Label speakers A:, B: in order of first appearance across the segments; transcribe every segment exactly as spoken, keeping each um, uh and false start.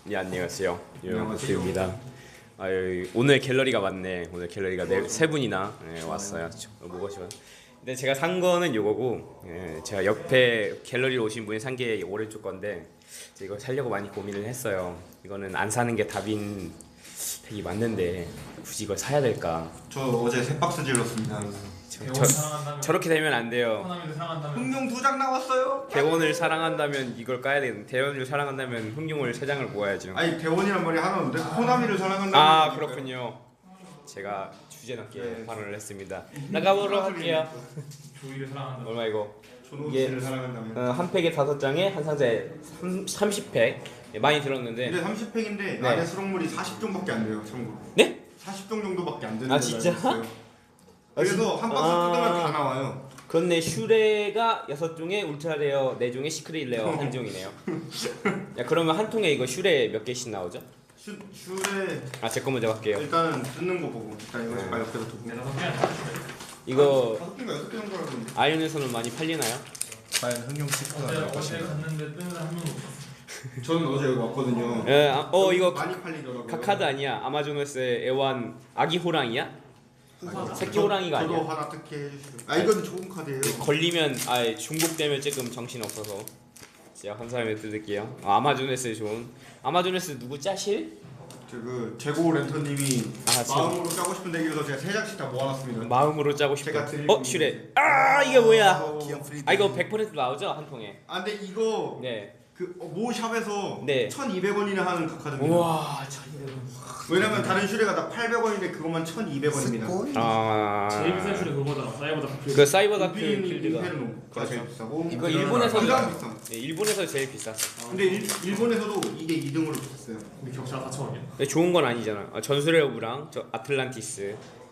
A: 네, 안녕하세요. 유영구입니다. 아, 오늘 갤러리가 왔네. 오늘 갤러리가 네, 세 분이나 네, 왔어요. 무엇이요? 근데 제가 산 거는 요거고, 예, 제가 옆에 갤러리로 오신 분이 산 게 오른쪽 건데 이거 살려고 많이 고민을 했어요. 이거는 안 사는 게 답인 팩이 맞는데 굳이 이걸 사야 될까?
B: 저 어제 세 박스 질렀습니다.
A: 저, 저, 저렇게 되면 안 돼요.
B: 흥룡 두 장 나왔어요.
A: 대원을 사랑한다면 이걸 까야 되는. 대원을 사랑한다면 흥룡을 세 장을 모아야죠.
B: 아니 대원이란 말이 하나 없는데 코나미를 사랑한다는.
A: 아 그렇군요. 제가 주제넘게
B: 네.
A: 발언을 했습니다. 나가보러 할게요.
C: 조이를 사랑한다.
A: 얼마 이거?
B: 조노스를 사랑한다면.
A: 어, 한 팩에 다섯 장에 한 상자에 삼십 팩. 예, 많이 들었는데.
B: 근데 삼십 팩인데
A: 네.
B: 안에 수록물이 사십 종밖에 안 돼요. 참고로.
A: 네?
B: 사십 종 정도밖에 안 되는
A: 아,
B: 걸로
A: 진짜?
B: 알고 있어요. 그래서 한 박스
A: 아.
B: 뜯으면 다 나와요.
A: 그렇네. 슈레가 여섯 종에 울트라 레어 네 종에 시크릿 레어 한 종이네요. 야 그러면 한 통에 이거 슈레 몇 개씩 나오죠?
B: 슈 슈레
A: 아 제 거 먼저 갈게요.
B: 일단은 뜯는 거 보고 일단 이거
A: 네.
B: 잠깐 옆에서 두고.
C: 다섯 개 아니야?
A: 이거
B: 다섯 개인가 여섯 개 정도 알았는데.
A: 아이언에서는 많이 팔리나요?
D: 과연 흥룡 치프가
C: 어제
D: 나올
C: 어제
D: 것인가?
C: 갔는데 뜨는 사람 한 명도 없었어.
B: 저는 어제 여기 왔거든요.
A: 예, 아, 어 이거
B: 많이 팔리더라고요.
A: 카카드 아니야? 아마존에스의 애완 아기 호랑이야? 새끼 호랑이가
B: 저도
A: 아니야?
B: 하나 특혜 해주시고. 아 이건 좋은 카드예요.
A: 걸리면 아 중복되면 조금 정신 없어서 제가 한 사람에 뜯을게요. 아, 아마존에스 좋은. 아마존에스 누구 짜실?
B: 저그 재고 랜턴님이
A: 아, 제-
B: 마음으로 짜고 싶은 대기여서 제가 세 장씩 다 모아놨습니다.
A: 마음으로 짜고 싶어.
B: 제가 드리고
A: 어 슈레. 아 이게 뭐야?
B: 어,
D: 기억 프리드.
A: 아 이거 백 퍼센트 나오죠 한 통에.
B: 아 근데 이거
A: 네.
B: 그모 샵에서
A: 네.
B: 천이백 원이나 하는 그 카드입니다.
A: 우와 천이백 원.
B: 왜냐면 다른 슈레가 다 팔백 원인데 그것만 천이백 원입니다.
A: 아.
C: 제일 비싼 슈레 그거잖아. 사이버다.
A: 그 사이버 다크
B: 인피니-
A: 필드가.
B: 인페르노가 제일 비싸고
A: 이거 일본에서
B: 가장 비싼.
A: 네, 일본에서 제일 비쌌어.
B: 근데 일, 일본에서도 이게 이 등으로 비쌌어요.
C: 우리 격차 사천 원이야.
A: 근데 좋은 건 아니잖아. 아, 전술의 오브랑 저 아틀란티스.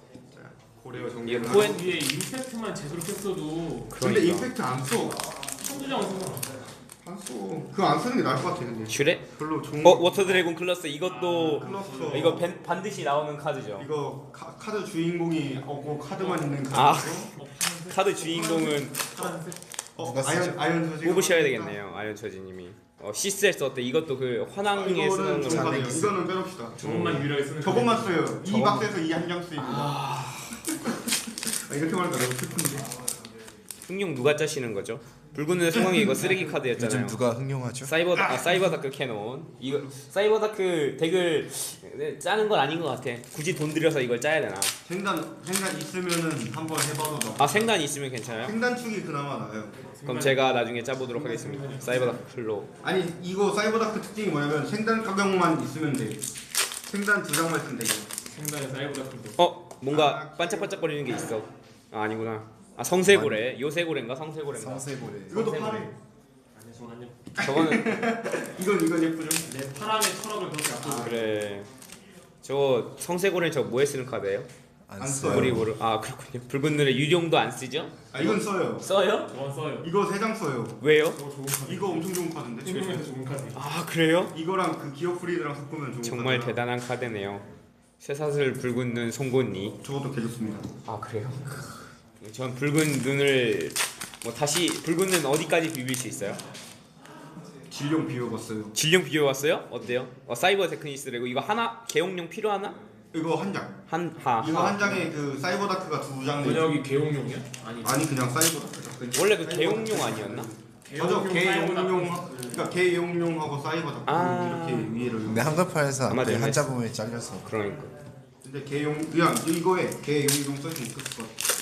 B: 고래어 정리.
A: 이게 코엔-
C: 위에 임팩트만 제대로 켰어도
B: 근데
A: 그러니까.
B: 임팩트 안 써.
C: 한두 장은 쓰잖아.
B: 안 써. 그거 안 쓰는 게 나을 것 같아 근데.
A: 슈레?
B: 별로 좋은.
A: 어 워터 드래곤 클러스 이것도
B: 클러스터.
A: 이거 밴- 반드시 나오는 카드죠.
B: 이거 카, 카드 주인공이 없고 카드만 있는 카드.
A: 아.
C: 어 파란색.
A: 카드 주인공은
C: 파란색.
B: 어,
D: 누가
B: 아이언
D: 쓰죠?
B: 아이언 저지.
A: 뽑으셔야 되겠네요. 아이언 처지님이. 어 시스에스 어때? 이것도 그 환왕에 쓰는
B: 이거는
A: 거.
B: 좋은 카드예요.
D: 잔액이
B: 이거는 빼놓읍시다.
C: 저것만 유일하게 쓰는.
B: 저것만 써요. 이
A: 저것만-
B: 박스에서 이 한 장 쓰입니다. 아... 이렇게 말하니까 너무 슬픈데.
A: 흥룡 누가 짜시는 거죠? 붉은 눈의 소광이 이거 쓰레기 카드였잖아요.
D: 요즘 누가 흥룡하죠?
A: 사이버 아, 사이버 다크 캐논 이거 사이버 다크 덱을 짜는 건 아닌 것 같아. 굳이 돈 들여서 이걸 짜야 되나?
B: 생단 생단 있으면은 한번 해봐도 나.
A: 아 생단 있으면 괜찮아요?
B: 생단축이 그나마 나요.
A: 그럼 제가 나중에 짜보도록 하겠습니다. 사이버 다크 클로.
B: 아니 이거 사이버다크 특징이 뭐냐면 생단 가격만 있으면 돼. 생단 두 장만 있으면 되고.
C: 생단에 사이버다 큰
A: 어 뭔가 반짝반짝거리는 게 있어. 아 아니구나. 아 성세고래. 요세고래인가 성세고래인가?
D: 성세고래.
B: 이것도
A: 성세고래.
B: 파래.
C: 아니 저는 안
A: 저거는
B: 이건 이건 예쁘죠.
C: 내 파랑의 철학을 그렇게 앞두고.
A: 그래. 저거 성세고래 저거 뭐에 쓰는 카드예요?
B: 안
D: 안
B: 써요.
D: 써요.
A: 우리 모르. 아 그렇군요. 붉은 눈의 유령도 안 쓰죠?
B: 아 이건 써요.
A: 써요?
C: 저건 써요.
B: 이거 세 장 써요.
A: 왜요?
C: 저거 좋은 카드.
B: 이거 엄청 좋은 카드인데.
C: 충분해서 좋은 카드.
A: 아 그래요?
B: 이거랑 그 기어 프리드랑 섞으면 좋은
A: 정말
B: 카드라.
A: 대단한 카드네요. 쇠사슬 붉은 눈 송곳니.
B: 저것도 개 좋습니다.
A: 아 그래요? 전 붉은 눈을 뭐 다시 붉은 눈 어디까지 비빌 수 있어요?
B: 질용 비워봤어요.
A: 질량 비워왔어요? 어때요? 어, 사이버 테크니스래고 이거 하나 개용용 필요하나?
B: 이거 한 장.
A: 한하
B: 이거 한 장에 그 사이버다크가 두 장.
C: 번역이 개용용이야? 아니.
B: 아니 그냥 사이버다크.
A: 원래 그 개용용 아니었나?
B: 맞아 개용용
C: 사이버다.
B: 그러니까 개용용하고 사이버다크
A: 아.
B: 이렇게 위에를.
D: 근데 한글판에서
A: 아마
D: 앞에
A: 되네.
D: 한자 부분이 잘려서
A: 그러니까
B: 근데 개용 그냥 이거에 개용용 써있으면 좋을 것 같아.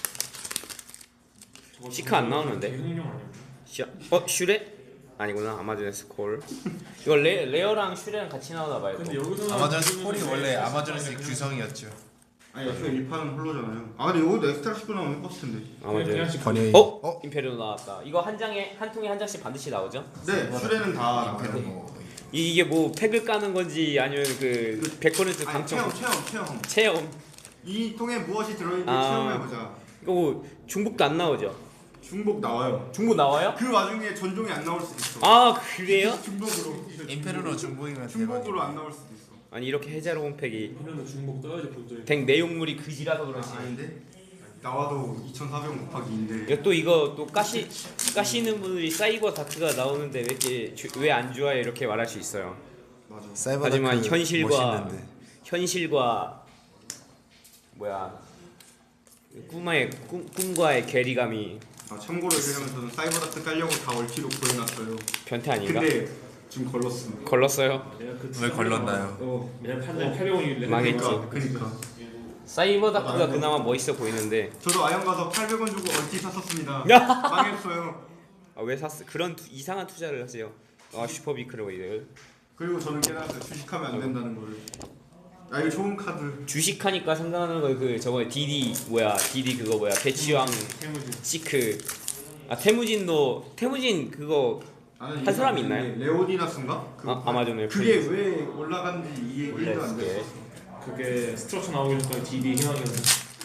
C: 저거
A: 시카 안 나오는데?
C: 개용용 아니야?
A: 슈, 어 슈레? 아니구나 아마존의 스콜. 이거 레, 레어랑 슈레랑 같이 나오나 봐요.
C: 근데
A: 또.
C: 여기서
D: 아마존 스콜이 원래 아마존에서 규성이었죠.
B: 아니 애초에 일 판은 홀로잖아요. 아 근데 여기도 엑스트라 십구 나오면 예뻤을 텐데.
A: 아마존.
D: 번역이
A: 어?
D: 어?
A: 임페리오 나왔다. 이거 한 장에 한 통에 한 장씩 반드시 나오죠?
B: 네 슈레는 다 나와요.
D: 뭐
A: 이, 이게 뭐 팩을 까는 건지 아니면 그 백 퍼센트
B: 아니
A: 당첨
B: 체험 체험 체험.
A: 체험.
B: 이 통에 무엇이 들어있는지
A: 아.
B: 체험해보자.
A: 이거 뭐 중복도 안 나오죠?
B: 중복 나와요.
A: 중복 나와요?
B: 그 와중에 전종이 안 나올 수도 있어.
A: 아 그래요?
B: 중복으로.
D: 임페르노 중복이면
B: 중복으로
D: 대박이야.
B: 안 나올 수도 있어.
A: 아니 이렇게 해자로운 팩이
C: 이런 중복 떠야지 본전이.
A: 덱 내용물이 그지라서 그렇지.
B: 아닌데 나와도 이천사백 곱하기 이인데.
A: 이거 또 이거 또 까시 까시는 분들이 사이버 다크가 나오는데 왜 이렇게 왜 안 좋아해 이렇게 말할 수 있어요.
B: 맞아.
D: 사이버
A: 하지만
D: 다크
A: 현실과
D: 멋있는데.
A: 현실과 뭐야 꿈의 꿈, 꿈과의 괴리감이
B: 아 참고로 얘기하면 저는 사이버다크 깔려고 다 얼티로 구해놨어요.
A: 변태 아닌가?
B: 근데 지금 걸렀습니다.
A: 걸렀어요?
C: 내가 그
D: 왜 걸렀나요?
C: 어, 내가 판단 팔백 원이길래
A: 망했지.
B: 그러니까, 그러니까.
A: 사이버다크가 그나마 멋있어 보이는데
B: 저도 아영 가서 팔백 원 주고 얼티 샀었습니다.
A: 야!
B: 망했어요.
A: 아, 왜 샀어? 그런 투, 이상한 투자를 하세요. 아 슈퍼비크로이드
B: 그리고 저는 깨달았어요. 주식하면 안 된다는 거를. 아 이거 좋은 카드.
A: 주식하니까 생각나는 거 그 저번에 디디 뭐야 디디 그거 뭐야 배치왕
C: 태무진.
A: 시크 아 태무진도 태무진 그거
B: 나는
A: 한 사람이
B: 이거
A: 있나요?
B: 레오디나스인가? 그
A: 아, 아마존에
B: 그게 왜 올라간지 이해
A: 원래
B: 일도 안
A: 그게
B: 됐어.
C: 그게 스트럭처 나오기 전까지 디디 희망이었는데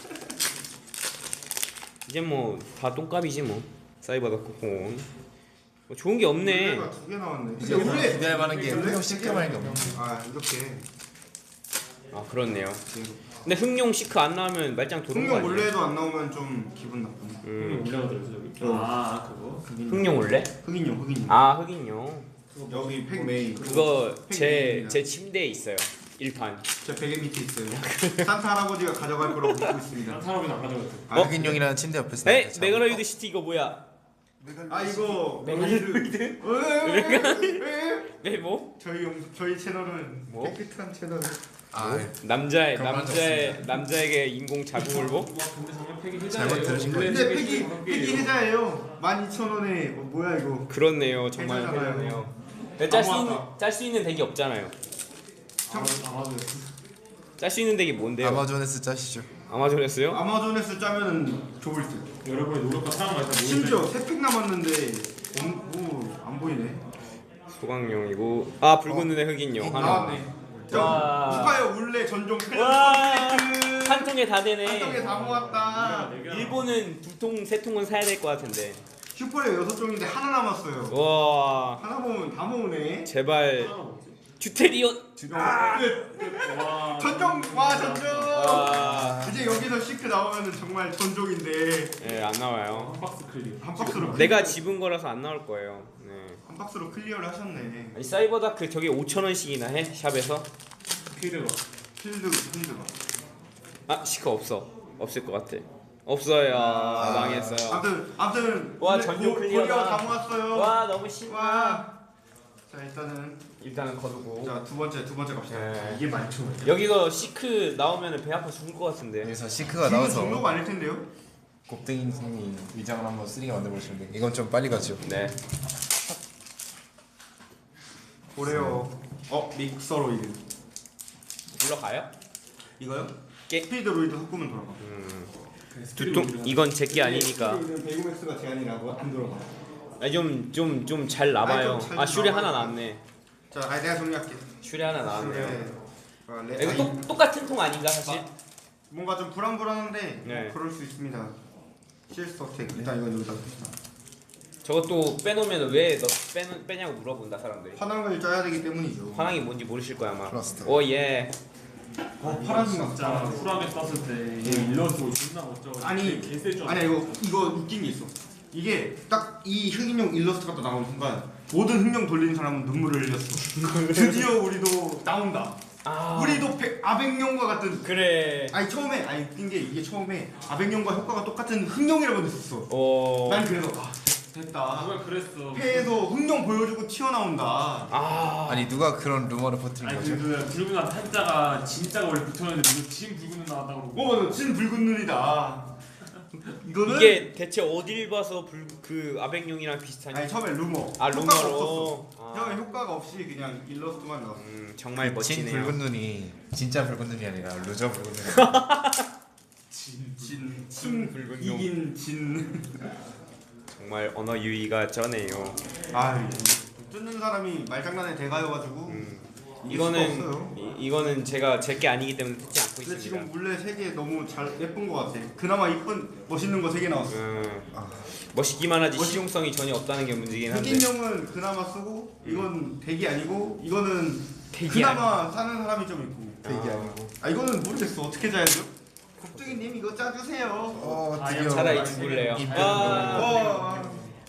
A: 이제 뭐 다 똥값이지 뭐 사이버다크 공 뭐 좋은 게 없네.
B: 가 두 개 나왔네.
D: 이제
B: 근데 원래
D: 기대할 만한 게 흥룡 시크만한 게 없네.
B: 아 이렇게
A: 아 그렇네요. 근데 흥룡 시크 안 나오면 말짱 도는 거
B: 흥룡
A: 아니에요?
B: 원래도 안 나오면 좀 기분 나쁘네.
A: 음.
C: 올라가더라고요 저기.
B: 어.
C: 아 그거.
A: 흥룡 올래?
B: 흑인용 흑인용.
A: 아 흑인용.
B: 여기 팩 메인.
A: 그거
B: 팩
A: 제
B: 메인이야.
A: 제 침대에 있어요. 일판.
B: 제 베개 밑에 있어요. 산타 할아버지가 가져갈 거라고 믿고 있습니다.
C: 한 사람은 안 가져갔대.
B: 아,
D: 흑인용이라는 침대 옆에서.
A: 에
D: 나왔다,
A: 메가로이드 시티 이거 뭐야?
B: 아 이거
A: 메가로이드?
B: 메가로이드?
A: 네 뭐?
B: 저희 영 저희 채널은
A: 뭐?
B: 깨끗한 채널.
D: 아,
A: 남자의
D: 그런 말
A: 남자의 남자에게 인공 자궁을 뭐?
C: 와 근데 정말 팩이
D: 잘못
C: 해자예요.
D: 들으신
C: 원래
B: 근데
C: 팩이
B: 팩이
C: 다섯
B: 팩이
C: 개예요.
B: 해자예요. 만 이천 원에 어, 뭐야 이거?
A: 그렇네요. 정말
B: 해자잖아요.
A: 그러네요. 짤수 있는
B: 아무하다.
A: 짤 수 있는 덱이 없잖아요.
C: 아 맞아.
A: 짤 수 있는 덱이 뭔데요?
D: 아마존에서 짜시죠.
A: 아마존에서요?
B: 아마존에서 짜면은 좋을 듯.
C: 여러분의 노력과 사랑 말다
B: 심지어 세 팩 남았는데 뭐안 보이네.
A: 소강용이고 아 붉은 눈의 흑인용 하나.
B: 나왔네. 저
A: 와.
B: 축하해요. 울레 전종
A: 와.
B: 클래스
A: 한 통에 다
B: 한 통에
A: 되네.
B: 다 모았다.
A: 일본은 두 통, 세 통은 사야 될 것 같은데.
B: 슈퍼레어 여섯 종인데 하나 남았어요.
A: 와
B: 하나 모으면 다 모으네.
A: 제발 듀테리온.
B: 아, 끝.
C: 와.
B: 전종 와 전종.
A: 와.
B: 이제 여기서 시크 나오면은 정말 전종인데
A: 예, 안 나와요.
C: 한 박스 클리어.
B: 한 박스로
A: 내가 집은 거라서 안 나올 거예요. 네.
B: 한 박스로 클리어를 하셨네.
A: 아니 사이버다크 저게 오천 원씩이나 해 샵에서?
C: 필드가.
B: 필드 필드가.
A: 아 시커 없어. 없을 것 같아. 없어요.
B: 아,
A: 망했어요.
B: 아무튼 아무튼
A: 와,
B: 근데
A: 전종
B: 고-
A: 클리어다.
B: 고리어 다 모았어요.
A: 와 너무 신나.
B: 와. 자 일단은
A: 일단은 거두고.
B: 자 두 번째 두 번째 갑시다.
A: 네.
C: 이게 많죠.
A: 여기서 시크 나오면은 배 아파 죽을 것 같은데.
D: 여기서 시크가
B: 지금
D: 나와서
B: 정도가 아닐 텐데요.
D: 곱등이님이 위장을 한번 쓰리게 만들어 보시면 돼. 이건 좀 빨리 가죠.
A: 네.
B: 고래요. 어 믹서로이드.
A: 불러가요?
B: 이거요?
A: 깨-
B: 스피드 로이드 섞으면 돌아가.
A: 음. 두통 이건 제게 아니니까.
B: 스피드 베이고맥스가 제한이라고 안 돌아가.
A: 좀좀 좀 잘 나봐요.
B: 아니, 좀잘
A: 아 슈레
B: 나와요.
A: 하나 나왔네.
B: 자, 아 내가 정리할게.
A: 슈레 하나 나왔네요.
B: 네. 아, 레,
A: 이거
B: 아니,
A: 똑 똑같은 통 아닌가 사실?
B: 뭔가 좀 불안불안한데
A: 네.
B: 뭐 그럴 수 있습니다. 실스터텍 일단 이건 여기다 둡시다.
A: 저것도 빼놓으면 왜 너 빼는 빼냐고 물어본다 사람들이.
B: 화랑을 짜야 되기 때문이죠.
A: 화랑이 뭔지 모르실 거야 아마.
D: 플라스터.
A: 오 예.
B: 어 파란색
C: 진짜
B: 맞다.
C: 쿨하게 떴을 때 이게 일러스트 존나 멋져.
B: 아니,
C: 개셀 줄.
B: 아니야 이거 이거 웃긴 게 있어. 이게 딱 이 흑인용 일러스트가 또 나오는 순간 모든 흑룡 돌리는 사람은 눈물을 흘렸어. 드디어 우리도 나온다.
A: 아
B: 우리도 백, 아백룡과 같은.
A: 그래.
B: 아니 처음에 아니 웃긴 게 이게 처음에 아백룡과 효과가 똑같은 흑룡이라고 했었어.
A: 어.
B: 난 그래서 아 됐다.
C: 누가 그랬어.
B: 폐에서 흑룡 보여주고 튀어나온다.
A: 아.
D: 아니 누가 그런 루머를 퍼뜨린
C: 아니
D: 거죠?
C: 그, 그 붉은 눈 한자가 진짜가 원래 붙었는데 이거 진 붉은 눈 나왔다고 그러고.
B: 어, 진 붉은 눈이다. 이거는
A: 이게 대체 어딜 봐서 불, 그 아백룡이랑 비슷하냐?
B: 아니 처음에 루머.
A: 아
B: 효과가
A: 루머로.
B: 없었어.
A: 아.
B: 처음에 효과가 없이 그냥 일러스트만 나왔어.
A: 음 정말
D: 진
A: 멋지네요.
D: 붉은 눈이 진짜 붉은 눈이 아니라 루저 붉은 눈이.
B: 진, 진,
A: 진 붉은 놈.
B: 이긴 진.
A: 정말 언어 유희가 쩌네요.
B: 아, 뜯는 사람이 말장난에 대가여가지고.
A: 음.
B: 이길 수가
A: 이거는
B: 없어요.
A: 이, 이거는 제가 제게 아니기 때문에 듣지 않고
B: 근데
A: 있습니다.
B: 지금 물레 세 개 너무 잘 예쁜 것 같아. 그나마 이쁜 멋있는 거 세 개 나왔어.
A: 음, 멋있기만 하지
B: 멋있-
A: 실용성이 전혀 없다는 게 문제긴 한데.
B: 흑인용은 그나마 쓰고 이건 덱이 아니고 이거는
A: 덱이
B: 그나마 사는 사람이 좀 있고.
D: 되게
A: 아.
D: 아니고.
B: 아 이거는 모르겠어 어떻게 짜야죠? 곱등이님 이거 짜주세요.
D: 어
C: 아,
D: 드디어
A: 차라리
C: 아,
A: 죽을래요.
D: 이
A: 아,
B: 어,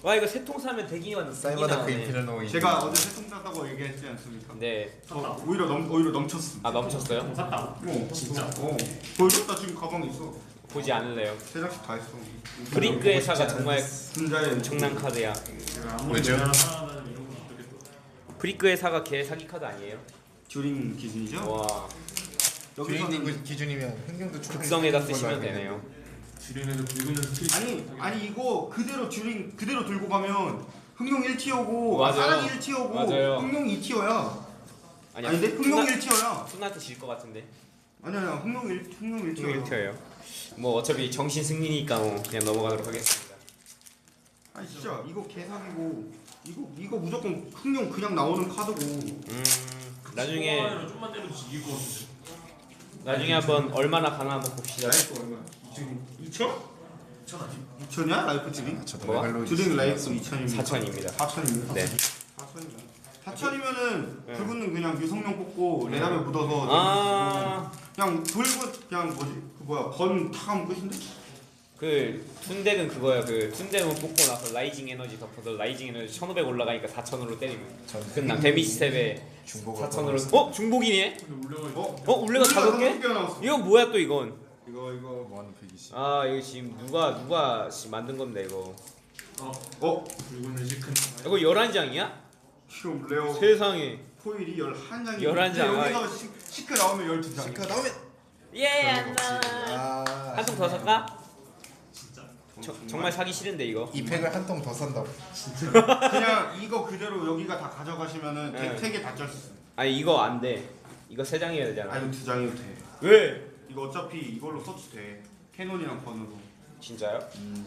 A: 와 이거 세 통 사면 대기만
D: 사이버다크 인피널 노
B: 제가 어제 세통 땄다고 얘기했지 않습니까?
A: 네.
B: 어, 오히려 넘 오히려 넘쳤어.
A: 아 넘쳤어요?
C: 샀다고?
B: 어,
C: 진짜?
B: 어. 보여줬다 지금 가방에 있어.
A: 보지 않을래요.
B: 세 장씩 다 했어.
A: 브링크 회사가 정말
B: 분자의
A: 엄청난 카드야.
C: 내가 아무리
D: 왜죠?
C: 내가 살아나는 이런 건 어떻겠어?
A: 브링크 회사가 걔 사기 카드 아니에요?
B: 듀링 기준이죠?
A: 와
B: 여기서는
D: 듀링 기준이면 흥룡도 충분히
A: 극성에다
D: 걸로
A: 쓰시면
D: 알고
A: 되네요.
C: 주변에서 붉은 스킬
B: 아니 아니 이거 그대로 듀링 그대로 들고 가면 흥룡 일 티어고
A: 맞아요.
B: 사랑이 일 티어고
A: 맞아요.
B: 흥룡 이 티어야.
A: 아니야.
B: 아닌데 흥룡 일 티어야.
A: 순한테 질 것 같은데.
B: 아니야 아니야 흥룡 일 흥룡 일
A: 일
B: 티어야.
A: 티어예요. 뭐 어차피 정신 승리니까 뭐 그냥 넘어가도록 하겠습니다.
B: 아니 진짜 이거 개사기고 이거 이거 무조건 흥룡 그냥 나오는 카드고.
A: 음 나중에
C: 초반에는 좀만 때려도 이길 것 같은데.
A: 나중에 한번 얼마나 가나 한번 봅시다.
B: 라이프 얼마야? 이천?
C: 천 아니?
B: 이천이야 라이프 듀링?
D: 저도
A: 뭐?
D: 메갈로
B: 듀링 라이프 이천입니다.
A: 사천입니다.
B: 사천입니다.
A: 네.
B: 사천이면 사천이면은
A: 네.
B: 그분은 그냥 유성룡 뽑고 레나벨 묻어서
A: 아.
B: 그냥 돌고 그냥 뭐지 그 뭐야 번 탁하면 끝인데?
A: 그 툰덱은 그거야. 그 툰덱은 뽑고 나서 라이징 에너지 덮어서 라이징 에너지 천오백 올라가니까 사천으로 때리면 끝나. 데미지 스텝에
D: 중복을
A: 사천으로. 어 중복이네.
C: 근데 올려가
B: 어?
A: 어 울레가 다섯 개?
B: 개 나왔어.
A: 이거 뭐야 또 이건?
B: 이거 이거
D: 뭐하는 백이십.
A: 아 이거 지금 누가 누가 씨 만든 건데 이거.
C: 어?
B: 어?
C: 붉은 시큰
A: 이거 열한 장이야?
B: 지금 레어
A: 세상에.
B: 포일이 열한 장이
A: 열한 장.
B: 여기서 시, 시크 나오면 열두 장.
D: 시카 나오면
A: 예 안나.
D: 아,
A: 한 통 더 살까?
C: 진짜.
A: 저, 정말 사기 싫은데 이거.
D: 이 팩을 한 통 더 산다고.
B: 그냥 이거 그대로 여기가 다 가져가시면은
A: 네.
B: 세개다 짤 수 있어.
A: 아니 이거 안 돼. 이거 세 장이어야 되잖아.
B: 아니 두 장이도 돼.
A: 왜?
B: 이거 어차피 이걸로 서치 돼. 캐논이랑 번으로.
A: 진짜요?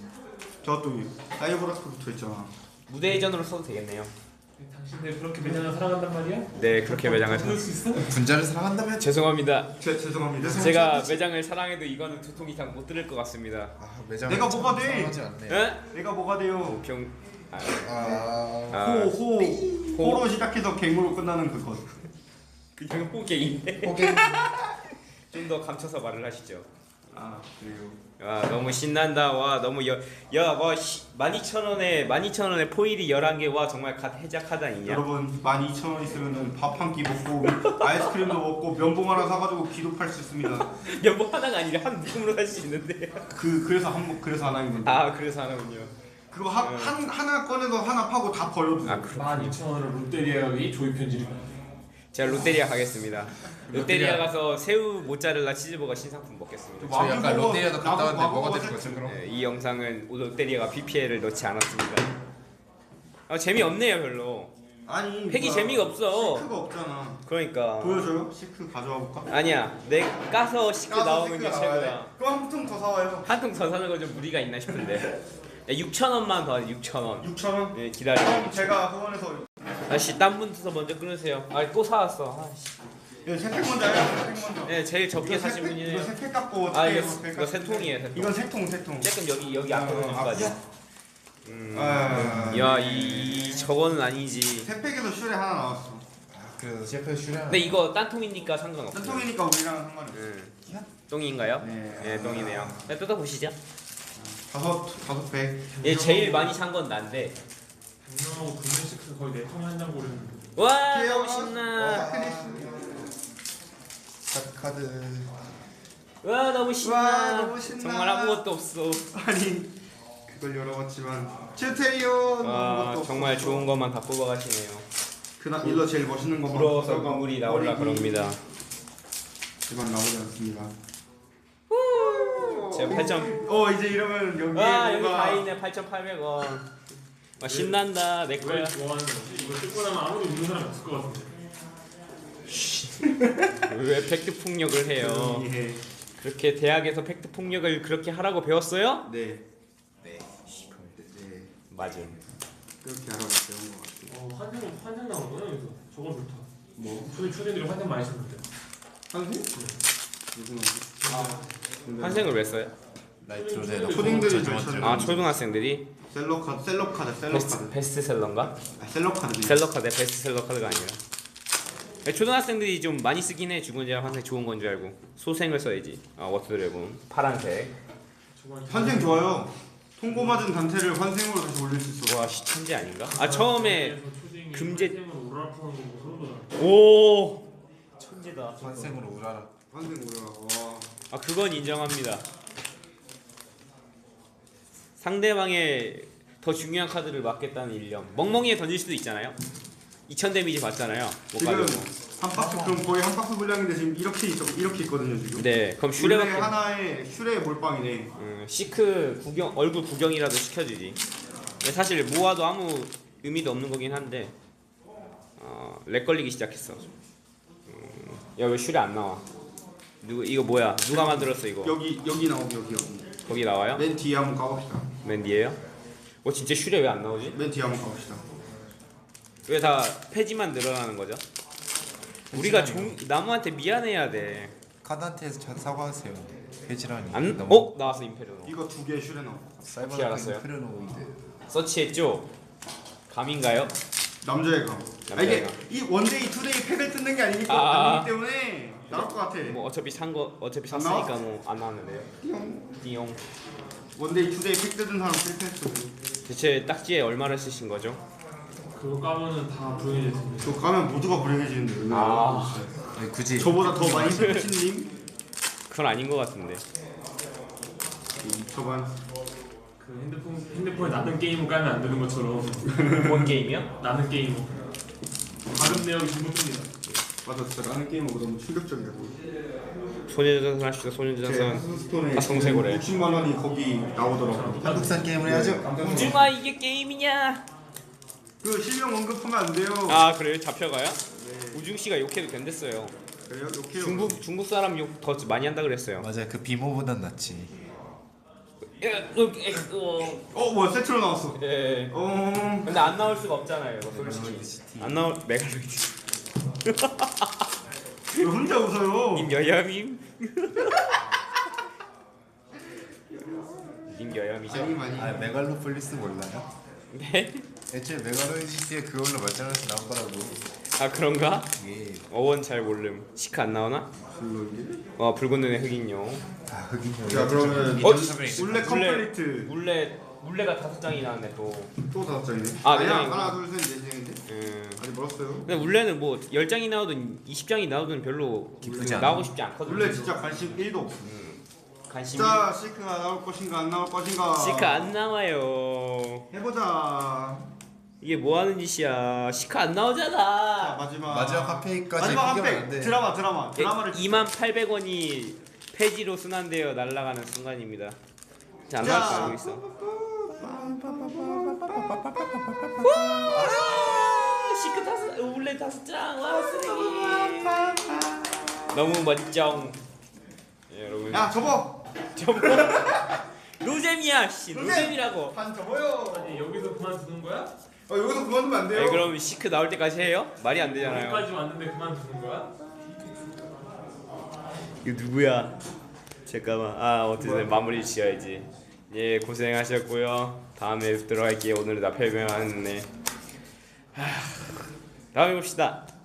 B: 저또 사이버라스크 붙어 있잖아.
A: 무대 회전으로 써도 되겠네요.
C: 당신들 그렇게 매장을 사랑한단 말이야?
A: 네 그렇게 매장을 사.
C: 그럴 수 있어?
D: 분자를 사랑한다면
A: 죄송합니다.
B: 제, 죄송합니다.
A: 제가 매장을 사랑해도 이거는 두 통 이상 못 들을 것 같습니다.
D: 아, 매장
B: 내가 뭐가 돼?
D: 사랑하지 않네.
A: 에?
B: 내가 뭐가 돼요?
A: 병. 아,
D: 아,
A: 아
B: 호, 호, 호로 시작해서 갱으로 끝나는 그것.
A: 그냥 호갱인데.
D: 호갱.
A: 좀 더 감춰서 말을 하시죠.
B: 아 그래요.
A: 와 너무 신난다. 와 너무 여야와 만 이천 원에 만 이천 원에 포일이 열한 개. 와 정말 갓 해작하다 아니냐?
B: 여러분 만 이천 원 있으면은 밥 한 끼 먹고 아이스크림도 먹고 면봉 하나 사가지고 기도 팔 수 있습니다.
A: 야뭐 하나가 아니라 한 묶음으로 살 수 있는데.
B: 그 그래서 한 그래서 하나인 건데.
A: 아 그래서 하나군요.
B: 그거 하, 한 하나 꺼내서 하나 파고 다 버려도.
A: 아 그럼
C: 만 이천 원으로 롯데리아의 조이 편지를.
A: 제가 롯데리아 가겠습니다. 롯데리아 가서 새우 모짜렐라 치즈버거 신상품 먹겠습니다.
D: 저희 아까
B: 와규버거,
D: 롯데리아도 갔다
B: 와규-
D: 왔는데 뭐가
B: 와규버거
D: 되는 거죠
B: 세트.
D: 그럼?
A: 네, 이 영상은 롯데리아가 피피엘을 넣지 않았습니다. 아, 재미없네요 별로.
B: 아니
A: 팩이
B: 뭐야,
A: 재미가 없어.
B: 시크가 없잖아.
A: 그러니까
B: 보여줘요? 시크 가져와 볼까?
A: 아니야 내 까서 시크
B: 까서
A: 나오는 게
B: 시크 나와야
A: 최고야.
B: 돼. 그럼 한 통 더 사와요.
A: 한 통 더 사는 거 좀 무리가 있나 싶은데. 야, 육천 원만 더 육천 원.
B: 육천 원.
A: 네 기다려.
B: 그럼 제가 후원해서
A: 아씨 딴 분부터 먼저 끊으세요. 아또 사왔어. 아씨.
B: 이거 세팩 먼저 해요. 세팩 먼저.
A: 네 제일 적게
B: 이거
A: 사신
B: 세팩-
A: 분이에요.
B: 이거 세팩 갖고
A: 아
B: 어떻게
A: 이거
B: 해요?
A: 이거 세 통이에요 세 통.
B: 이건 세통 세통.
A: 조금 여기 여기
B: 아,
A: 앞부분까지.
B: 아,
A: 음.
B: 아,
A: 야이 저거는 아니지.
B: 세팩에서 슈레 하나 나왔어.
D: 아, 그래서 셰프 슈량.
A: 근데 이거 딴 통이니까 상관없어요.
B: 세통이니까 우리랑 상관없어.
A: 음. 똥인가요?
B: 네.
A: 네, 똥이네요. 네, 뜯어보시죠.
B: 다섯 다섯 팩.
A: 얘 제일 많이 산 건 난데.
C: 분명하고 붉은 시큰 거의 네 통에 한 장 고르는.
A: 와,
B: 귀여워.
A: 너무 신나.
B: 어,
D: 카드.
A: 와, 너무 신나.
B: 와, 너무 신나.
A: 정말 아무것도 없어.
B: 아니 그걸 열어봤지만 칠테리온
A: 와, 정말 좋은 것만 다 뽑아가시네요.
B: 그나 일러 제일 멋있는 것만
A: 부러워서
B: 가져가
A: 눈물이 나올라
B: 버리기.
A: 그럽니다.
B: 이건 나오지 않습니다.
A: 제가 팔 점.
B: 어 이제 이러면 여기에
A: 와, 여기
B: 뭔가
A: 다 있네. 팔천팔백 원. 와, 신난다. 내
C: 왜
A: 거야.
C: 좋아하는 거지? 이거 뜯고 나면 아무도 웃는 사람이 없을 것 같은데.
A: 왜 팩트 폭력을 해요?
B: 예.
A: 그렇게 대학에서 팩트 폭력을 그렇게 하라고 배웠어요?
B: 네.
D: 네.
B: 네.
A: 맞음.
B: 그렇게 하라고 배운 것 같아요.
C: 어 환생 환생 나오는구나 여기서. 저건 좋다.
B: 뭐?
C: 초대 초대들이 환생 많이 쓰는데.
B: 한생? 무슨 아.
A: 환생을 왜 써요?
D: 나이트로제
B: 초딩들이 잘 찾는
A: 아, 초등학생들이
B: 셀럽 카드, 셀럽 카드, 셀럽
A: 베스트,
B: 카드.
A: 베스트셀러인가?
B: 아, 셀럽 카드.
A: 셀러 카드, 베스트셀러 카드가 아니라. 초등학생들이 좀 많이 쓰긴 해. 죽은 자랑 환생 좋은 건 줄 알고. 소생을 써야지. 아, 워터드래곤 파란색.
C: 저건
B: 환생 좋아요. 통고 맞은 단체를 환생으로 다시 올릴 수 있어.
A: 와 씨, 천재 아닌가? 아 처음에
C: 그래서 초딩이
A: 금제-
C: 환생으로 오라프는 거 보고 소름 돋아.
A: 오 천재다.
D: 환생으로 우라라.
B: 환생 뭐야? 와.
A: 아 그건 인정합니다. 상대방의 더 중요한 카드를 맞겠다는 일념. 멍멍이에 던질 수도 있잖아요. 이천 데미지 받잖아요. 못
B: 지금
A: 가지고.
B: 한 박스 그럼 거의 한 박스 분량인데 지금 이렇게 있, 이렇게 있거든요 지금.
A: 네, 그럼
B: 슈레
A: 슈레밖에.
B: 하나에 슈레 몰빵이네.
A: 음, 시크 구경 얼굴 구경이라도 시켜주지. 근데 사실 모아도 아무 의미도 없는 거긴 한데 어, 렉 걸리기 시작했어. 음, 야왜 슈레 안 나와? 누구 이거 뭐야? 누가 만들었어 이거?
B: 여기 여기 나오고 여기 여기.
A: 거기 나와요?
B: 맨 뒤에 한번 까봅시다.
A: 맨 뒤에요? 어 진짜 슈레 왜 안 나오지?
B: 맨 뒤에 한번 까봅시다.
A: 왜 다 폐지만 늘어나는 거죠? 우리가 종, 나무한테 미안해야 돼.
D: 카드한테 자- 사과하세요. 해지라니.
A: 안?
D: 너무
A: 어? 나왔어 임페르노.
B: 이거 두 개 슈레 나와.
A: 어떻게
D: 사이버나크
A: 알았어요?
D: 인페르노이드.
A: 서치했죠? 감인가요?
B: 남자의 감. 아
A: 남자의
B: 이게
A: 감.
B: 이 원데이 투데이 팩을 뜯는 게 아니니까
A: 아.
B: 아니기 때문에 나올 것 같아.
A: 뭐 어차피 산 거 어차피
B: 안
A: 샀으니까 뭐 안 나왔는데요.
B: 띠용.
A: 띠용.
B: 원데이 투데이 팩 뜯은 사람 실패했어.
A: 대체 딱지에 얼마를 쓰신 거죠?
C: 그거 까면은 다 불행해질 텐데.
B: 저 가면 모두가 불행해지는데.
A: 아.
D: 아니, 굳이
B: 저보다 더 많이 쓰신 님?
A: 그건 아닌 것 같은데.
B: 저반.
C: 그 핸드폰 핸드폰에 나는 게임을 까면 안 되는 것처럼
A: 뭔 게임이요?
C: 나는 게임. 발음 내역이 잘못됩니다.
B: 맞아 진짜 나는 게임하고 너무 충격적이야.
A: 소녀전선 하시죠.
B: 제
A: 소녀전선.
B: 하스스톤에
A: 아, 성세고래.
B: 육십만 원이 거기 나오더라고.
D: 한국산 게임을 해야죠.
A: 우주마 이게 게임이냐?
B: 그 실명 언급하면 안 돼요.
A: 아 그래요? 잡혀가요? 우중 씨가 욕해도 된댔어요.
B: 그래요? 욕해요.
A: 중국 중국 사람 욕 더 많이 한다 그랬어요.
D: 맞아요. 그 비모보단 낫지.
B: 어 뭐야 세트로 나왔어.
A: 예.
B: 어.
A: 근데 안 나올 수가 없잖아요. 이거 솔직히.
D: 메갈로이드 시티.
A: 안 나올 메갈로이드.
B: 왜 혼자 웃어요?
A: 님 여염임. 님 여염이죠?
B: 아니 많이.
D: 아 메갈로폴리스 몰라요?
A: 네.
D: 애초에 메갈로이드 시티에 그걸로 말장난해서 나온 거라고.
A: 아 그런가?
D: 이게
A: 어원 잘 모름. 시크 안 나오나?
B: 불러인데?
A: 어 붉은 눈의 흑인용.
D: 아 흑인형.
B: 자 그러면
A: 어,
B: 울레 컴플리트
A: 물레 물레가 다섯 장이 나왔네 또.
B: 또 다섯 장이네.
A: 아,
B: 아니야
A: 네 장이구나.
B: 하나 둘셋네 장인데
A: 음.
B: 아직 멀었어요.
A: 근데 물레는 뭐 열 장이 나오든 이십 장이 나오든 별로
D: 기쁘지 않아.
A: 나오고 싶지 않거든.
B: 울레 진짜 관심 일도 없어.
A: 관심.
B: 자 시크가 나올 것인가 안 나올 것인가.
A: 시크 안 나와요.
B: 해보자.
A: 이게 뭐 하는 짓이야? 시크 안
B: 자
A: 나오잖아.
B: 마지막
D: 마지막 한 페이지까지
B: 마지막
D: 포기하면
B: 한팩
D: 안 돼.
B: 드라마 드라마 드라마를
A: 이만팔백 원이 폐지로 순환되어 날아가는 순간입니다. 자, 안 나올 거 알고 있어. 와, 시크 다섯, 울레 다섯 장, 와 쓰레기. 너무 멋쩡. 예, 여러분.
B: 야 접어.
A: 저거 노잼이야, 씨.
B: 노잼!
A: 노잼이라고.
B: 반 접어요.
C: 아니 여기서 그만두는 거야?
B: 어 여기서 그만두면 안 돼요.
A: 네, 그럼 시크 나올 때까지 해요? 말이 안 되잖아요.
C: 여기까지 왔는데 그만두는 거야?
A: 이거 누구야? 잠깐만. 아 어쨌든 마무리 지어야지. 예 고생하셨고요. 다음에 들어갈게요. 오늘은 나 별명하네. 다음에 봅시다.